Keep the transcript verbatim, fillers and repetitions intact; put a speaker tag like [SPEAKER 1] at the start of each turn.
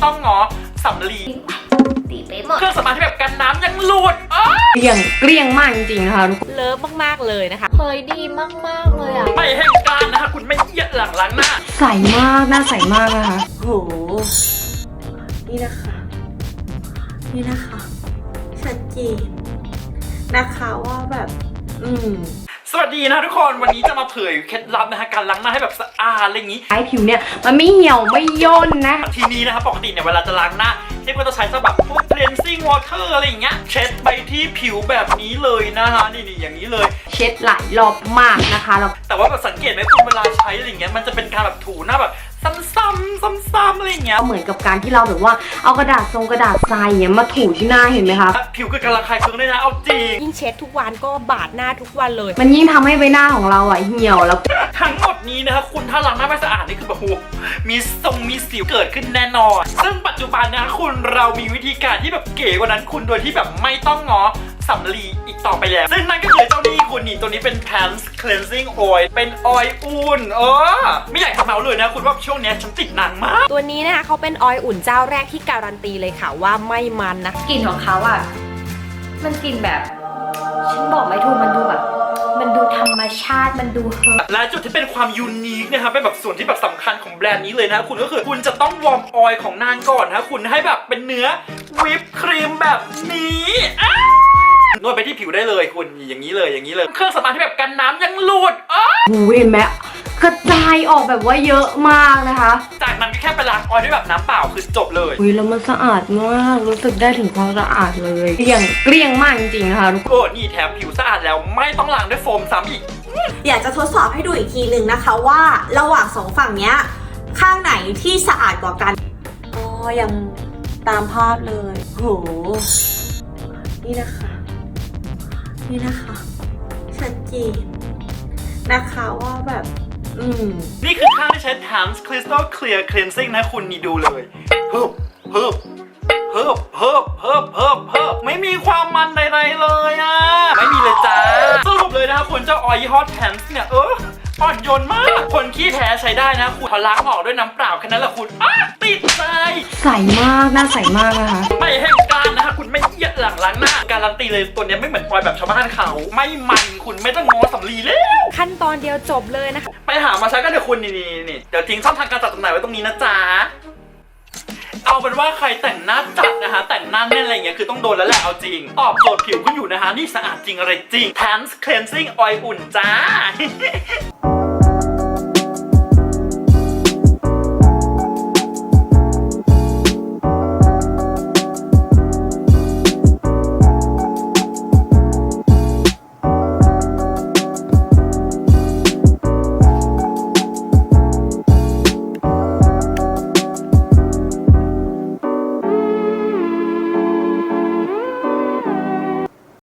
[SPEAKER 1] ต้องง้อสำลี
[SPEAKER 2] ตีไปหมด
[SPEAKER 1] เครื่องสำอางที่แบบกันน้ำยังหลุด
[SPEAKER 3] เกลี้ยงเกลี้ยงมากจริงๆนะคะทุกคน
[SPEAKER 4] เลิฟมากๆเลยนะคะ
[SPEAKER 2] เฮ้ยดีมากๆเลยอ่ะ
[SPEAKER 1] ไม่แห้งกร้านนะคะคุณไม่เอียดหลังล้างหน้า
[SPEAKER 3] ใสมากหน้าใสมากนะคะ
[SPEAKER 5] โหนี่นะคะนี่นะคะชัดเจนนะคะว่าแบบอืม
[SPEAKER 1] สวัสดีนะทุกคนวันนี้จะมาเผยเคล็ดลับนะคะการล้างหน้าให้แบบสะอาดอะไรอย่างนี้
[SPEAKER 3] ให้ผิวเนี่ยมันไม่เหี่ยวไม่ย่นนะ
[SPEAKER 1] ทีนี้นะคะปกติเนี่ยเวลาจะล้างหน้าเทพก็จะใช้สแบบพวก cleansing water อะไรอย่างเงี้ยเช็ดไปที่ผิวแบบนี้เลยนะคะนี่นี่อย่างนี้เลย
[SPEAKER 3] เช็ดหลายรอบมากนะคะเรา
[SPEAKER 1] แต่ว่าแบบสังเกตไหมคุณเวลาใช้อะไรอย่างเงี้ยมันจะเป็นการแบบถูหน้าแบบซ้ำๆซ้ำๆอะไรอย่างเงี้ย
[SPEAKER 3] เหมือนกับการที่เราแบบว่าเอากระดาษทรงกระดาษทรายอย่างเงี้ยมาถูที่หน้าเห็นไหมคะ
[SPEAKER 1] ผิวก็กำลังคลายเครื่องได้นะเอาจริง
[SPEAKER 4] ยิ่งเช็ดทุกวันก็บาดหน้าทุกวันเลย
[SPEAKER 3] มันยิ่งทำให้ใบหน้าของเราอ่ะเหี่ยวแล้ว
[SPEAKER 1] ทั้งหมดนี้นะคะคุณถ้าล้างหน้าไม่สะอาดนี่คือแบบโหมีทรงมีสิวเกิดขึ้นแน่นอนซึ่งปัจจุบันนะคุณเรามีวิธีการที่แบบเก๋กว่านั้นคุณโดยที่แบบไม่ต้องง้อสำลีอีกต่อไปแล้วซึ่งนั่นก็คือเจ้านี่คุณนี่ตัวนี้เป็น Pants Cleansing Oil เป็นออยล์อุ่นเออไม่อยากทำเมาเลยนะคุณว่าช่วงนี้ฉันติดหนังมาก
[SPEAKER 4] ตัวนี้นะคะเขาเป็นออยล์อุ่นเจ้าแรกที่การันตีเลยค่ะว่าไม่มันนะ
[SPEAKER 2] กลิ่นของเขาอ่ะมันกลิ่นแบบฉันบอกไม่ถูกมันดูแบบมันดูธรรมชาติมันดูเฮิร์บ
[SPEAKER 1] และจุดที่เป็นความยูนิคนะครับเป็นแบบส่วนที่แบบสำคัญของแบรนด์นี้เลยนะคุณก็คือคุณจะต้องวอร์มออยล์ของนางก่อนนะคุณให้แบบเป็นเนื้อวิปครีมแบบนี้นวดไปที่ผิวได้เลยคุณอย่างนี้เลยอย่างนี้เลยเครื่องสำอางที่แบบกันน้ำยังหลุด
[SPEAKER 3] หูเห็นไหมกระจายออกแบบว่าเยอะมากนะคะ
[SPEAKER 1] จากนั้นก็แค่ไปล้างออยล์ด้วยแบบน้ำเปล่าคือจบเลย
[SPEAKER 3] อุ้ยแล้วมันสะอาดมากรู้สึกได้ถึงความสะอาดเลยเกลี้ยงเกลี้ยงมากจริงๆนะคะทุกคน
[SPEAKER 1] นี่แถมผิวสะอาดแล้วไม่ต้องล้างด้วยโฟมซ้ำอีก
[SPEAKER 5] อยากจะทดสอบให้ดูอีกทีหนึ่งนะคะว่าระหว่างสองฝั่งเนี้ยข้างไหนที่สะอาดกว่ากันอ๋อยังตามภาพเลยโหนี่นะคะนี่นะคะชัดเจนนะคะว่าแบบอืม
[SPEAKER 1] นี่คือข้างที่ใช้ Pants Crystal Clear Cleansing นะคุณนี่ดูเลยเพิ่มเพิ่มเพิ่มเพิ่มเพิ่มเพิ่มเพิ่มไม่มีความมันใดๆเลยอ่ะไม่มีเลยจ้าสรุปเลยนะคะคุณเจ้าออยล์ยี่ห้อ Pants เนี่ยเอออ่อนโยนมากคนขี้แพ้ใช้ได้นะคุณพอล้างออกด้วยน้ำเปล่าแค่นั้นแหละคุณติดใจ
[SPEAKER 3] ใสมากหน้าใสมากนะคะ
[SPEAKER 1] ไม่แห้งกร้านนะคะคุณไม่เอียดหลังล้างหน้าการันตีเลยตัวนี้ไม่เหมือนออยล์แบบชาวบ้านเขาไม่มันคุณไม่ต้องง้อสำลีแล้ว
[SPEAKER 4] ขั้นตอนเดียวจบเลยนะคะ
[SPEAKER 1] ไปหามาใช้กันเดี๋ยวคุณนี่นี่เดี๋ยวทิ้งช่องทางการจัดจำหน่ายไว้ตรงนี้นะจ๊ะเอาเป็นว่าใครแต่งหน้าจัดนะคะแต่งหน้าแน่นอะไรเงี้ยคือต้องโดนแล้วแหละเอาจริงตอบโจทย์ผิวคุณอยู่นะคะนี่สะอาดจริงอะไรจริง Pants Cleansing Oil อุ่นจ้า